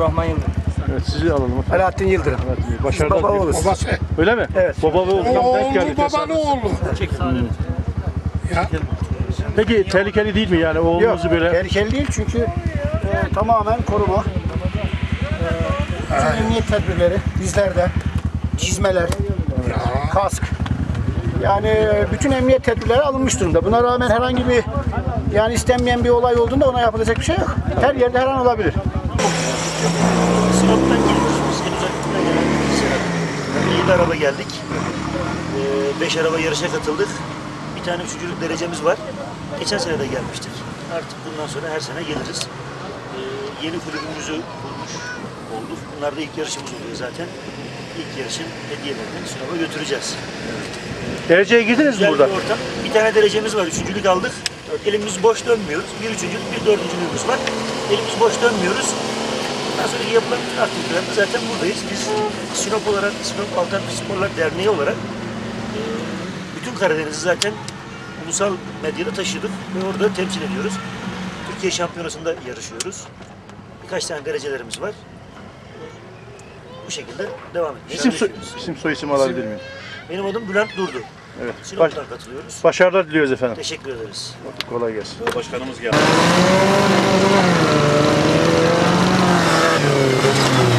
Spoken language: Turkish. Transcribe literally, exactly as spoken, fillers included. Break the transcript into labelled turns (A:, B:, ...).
A: Abdurrahman Yıldırım.
B: Evet, sizi alalım.
C: Alaaddin Yıldırım.
B: Evet, başarılar
C: Baba
B: diliyorum.
C: oğlu.
D: Babası.
B: Öyle mi?
C: Evet.
B: Baba ve oğlundan denk geldi.
D: Oğlu babanın oğlu. Ya.
B: Peki tehlikeli değil mi yani
C: Yok,
B: oğlunuzu böyle?
C: tehlikeli değil çünkü e, tamamen koruma. E, bütün emniyet tedbirleri bizlerde, çizmeler, kask. Yani e, bütün emniyet tedbirleri alınmış durumda. Buna rağmen herhangi bir yani istenmeyen bir olay olduğunda ona yapılacak bir şey yok. Her yerde her an olabilir.
E: Sinop'tan geliyoruz biz. En uzaklıktan gelen Sinop. İyi bir araba geldik. Ee, beş araba yarışa katıldık. Bir tane üçüncülük derecemiz var. Geçen sene de gelmiştik. Artık bundan sonra her sene geliriz. Ee, yeni kulübümüzü kurmuş olduk. Bunlar da ilk yarışımız oluyor zaten. İlk yarışın hediyelerini Sinop'a götüreceğiz.
B: Dereceye girdiniz mi
E: Güzel
B: burada?
E: bir ortam. Bir tane derecemiz var. Üçüncülük aldık. Elimiz boş dönmüyoruz. Bir üçüncülük, bir dördüncülüğümüz var. Elimiz boş dönmüyoruz. Bundan sonraki yapılan bütün aktivitelerde zaten buradayız. Biz Sinop olarak, Sinop Alternatif Sporlar Derneği olarak e, bütün Karadeniz'i zaten ulusal medyada taşıdık ve orada temsil ediyoruz. Türkiye Şampiyonası'nda yarışıyoruz. Birkaç tane derecelerimiz var. Bu şekilde devam etmeye
B: İsim, soy,
E: çalışıyoruz.
B: isim soy isim alabilir miyim?
E: Benim adım Bülent Durdu.
B: Evet. Baş,
E: Sinop'tan katılıyoruz.
B: başarılar diliyoruz efendim.
E: Teşekkür ederiz.
B: Kolay gelsin.
F: Başkanımız geldi.